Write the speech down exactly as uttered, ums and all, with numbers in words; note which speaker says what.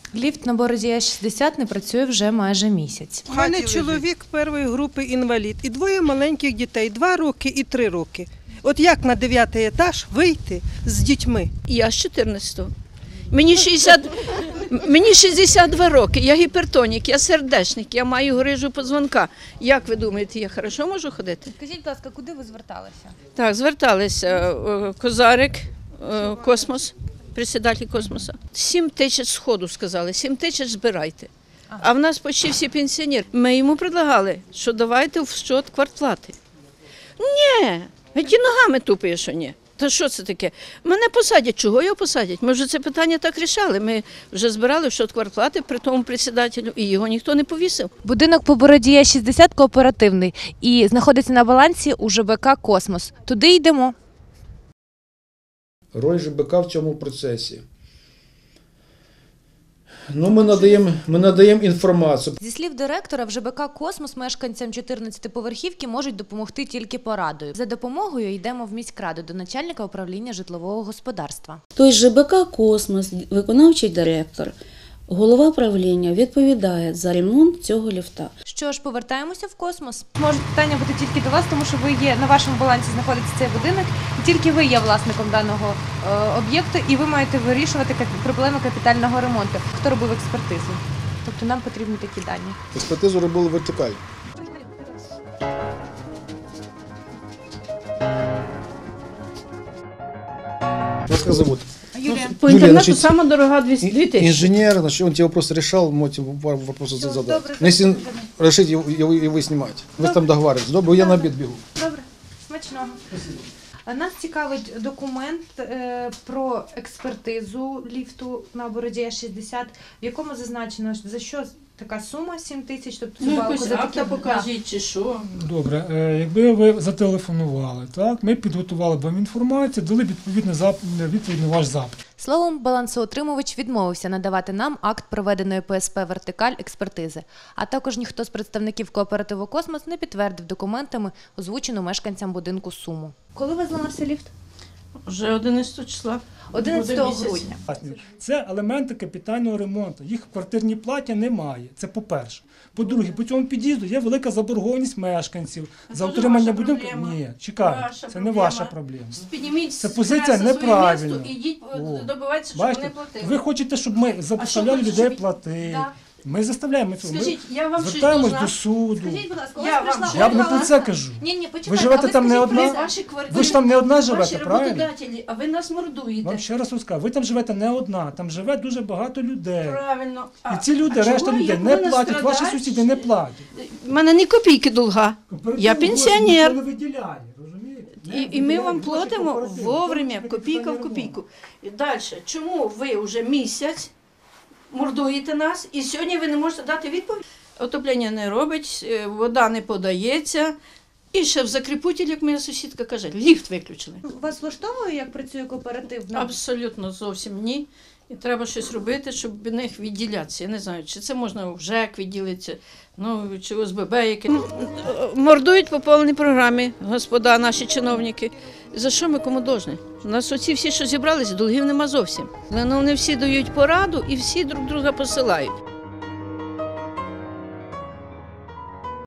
Speaker 1: Ліфт на Бородія шістдесят не працює вже майже місяць.
Speaker 2: У мене чоловік першої групи інвалід і двоє маленьких дітей, два роки і три роки. От як на дев'ятий етаж вийти з дітьми?
Speaker 3: Я з чотирнадцятого. Мені шістдесят, мені шістдесят два роки, я гіпертонік, я сердечник, я маю грижу позвонка. Як ви думаєте, я хорошо можу ходити?
Speaker 1: Скажіть, будь ласка, куди ви зверталися?
Speaker 3: Так, зверталися е, Козарик, е, Космос, председатель Космоса. Сім тисяч сходу сказали, сім тисяч збирайте. А в нас почти всі пенсіонери. Ми йому предлагали, що давайте в счет квартплати. Ні, геть і ногами тупає, що ні. Та що це таке? Мене посадять. Чого його посадять? Ми вже це питання так рішали. Ми вже збирали в счет квартплати при тому председателю, і його ніхто не повісив.
Speaker 1: Будинок по Бородія шістдесят кооперативний і знаходиться на балансі у ЖБК «Космос». Туди йдемо.
Speaker 4: Роль ЖБК в цьому процесі. Ну, ми надаємо, ми надаємо інформацію.
Speaker 1: Зі слів директора, в ЖБК «Космос» мешканцям чотирнадцятиповерхівки можуть допомогти тільки порадою. За допомогою йдемо в міськраду до начальника управління житлового господарства.
Speaker 5: Тобто ЖБК «Космос», виконавчий директор, голова правління відповідає за ремонт цього ліфта.
Speaker 1: Що ж, повертаємося в «Космос». Може питання бути тільки до вас, тому що ви є, на вашому балансі знаходиться цей будинок, і тільки ви є власником даного е, об'єкту, і ви маєте вирішувати кап- проблеми капітального ремонту. Хто робив експертизу? Тобто нам потрібні такі дані.
Speaker 6: Експертизу робили вертикаль. Вас как зовут?
Speaker 1: Юлія.
Speaker 3: По
Speaker 6: Юлія,
Speaker 3: інтернету
Speaker 6: значить,
Speaker 3: сама дорога дві тисячі.
Speaker 6: Инженер, значит, он тебе вопрос решал, можете вопросы
Speaker 1: Всё,
Speaker 6: задать.
Speaker 1: добре,
Speaker 6: Но если
Speaker 1: добре.
Speaker 6: решить его, его, его снимать, вы там договариваетесь. Добре, я на обед бегу.
Speaker 1: Добре, смачного. Нас цікавить документ е, про експертизу ліфту на Бородія шістдесят, в якому зазначено, за що така сума сім тисяч, тобто
Speaker 3: Ну,
Speaker 1: балку
Speaker 3: якось
Speaker 1: за
Speaker 3: акта
Speaker 1: такі-
Speaker 3: покажіть, чи що.
Speaker 7: Добре, е, якби ви зателефонували, так, ми підготували б вам інформацію, дали б відповідний зап... відповідь на ваш запит.
Speaker 1: Словом, балансоутримувач відмовився надавати нам акт проведеної ПСП «Вертикаль» експертизи. А також ніхто з представників кооперативу «Космос» не підтвердив документами озвучену мешканцям будинку суму. Коли ви зламався ліфт?
Speaker 3: Вже одинадцятого числа.
Speaker 1: одинадцятого
Speaker 3: Буде місяць.
Speaker 1: грудня.
Speaker 7: Це елементи капітального ремонту. Їх в квартирній платі немає. Це по-перше. По-друге, по цьому під'їзду є велика заборгованість мешканців за
Speaker 3: Це
Speaker 7: утримання
Speaker 3: ваша
Speaker 7: будинку.
Speaker 3: проблема.
Speaker 7: Ні, чекайте,
Speaker 3: Ваша
Speaker 7: це не
Speaker 3: проблема.
Speaker 7: ваша проблема.
Speaker 3: Підніміть
Speaker 7: Це
Speaker 3: з
Speaker 7: позиція
Speaker 3: преси своє
Speaker 7: неправильна.
Speaker 3: місто і йдіть
Speaker 7: О,
Speaker 3: добивайтеся, щоб
Speaker 7: Бачите,
Speaker 3: вони платили.
Speaker 7: ви хочете, щоб ми заставляли
Speaker 3: хочете,
Speaker 7: людей
Speaker 3: щоб-
Speaker 7: платити.
Speaker 3: Да.
Speaker 7: Ми заставляємо цього. Ми
Speaker 3: Скажіть, я вам щось
Speaker 7: звертаємось
Speaker 3: должна?
Speaker 7: до суду.
Speaker 1: Скажіть, будь ласка, у
Speaker 3: Я
Speaker 1: вас
Speaker 3: вам
Speaker 1: прийшла
Speaker 3: що?
Speaker 7: Я б не
Speaker 1: органа-
Speaker 7: про це кажу.
Speaker 1: Ні, ні, почекайте.
Speaker 7: Ви живете
Speaker 1: а ви
Speaker 7: там не
Speaker 1: скажіть,
Speaker 7: одна?
Speaker 1: ви-
Speaker 3: Ваші квартири,
Speaker 7: Ви ж там не одна живете,
Speaker 3: ваші
Speaker 7: правильно?
Speaker 3: роботодателі, а ви нас мордуєте.
Speaker 7: Вам ще раз розкажу, ви там живете не одна, там живе дуже багато людей.
Speaker 3: Правильно.
Speaker 7: І ці люди,
Speaker 3: а
Speaker 7: решта
Speaker 3: чого
Speaker 7: людей
Speaker 3: я
Speaker 7: не
Speaker 3: повинна
Speaker 7: платять, ваші
Speaker 3: страдати?
Speaker 7: сусіди не платять.
Speaker 3: У мене ні копійки долга. Я пенсіонер.
Speaker 7: Ніхто не виділяє, розумієте? Не
Speaker 3: І, і ми
Speaker 7: виділяє
Speaker 3: вам
Speaker 7: гроші
Speaker 3: платимо
Speaker 7: кооперативу.
Speaker 3: вовремя,
Speaker 7: Тому що
Speaker 3: копійка в
Speaker 7: капітальний
Speaker 3: копійку. І далі, чому ви вже місяць мордуєте нас, і сьогодні ви не можете дати відповідь? Отоплення не робить, е, вода не подається. І ще в закріпутіль, як моя сусідка каже, ліфт виключили.
Speaker 1: Вас влаштовує, як працює кооператив?
Speaker 3: Абсолютно зовсім ні. І треба щось робити, щоб від них відділятися. Я не знаю, чи це можна в ЖЕК відділитися, ну, чи О С Б Б яке. Мордують по повній програмі, господа, наші чиновники. За що ми кому должні? У нас оці всі, що зібралися, долгів нема зовсім. Ну, вони всі дають пораду і всі друг друга посилають.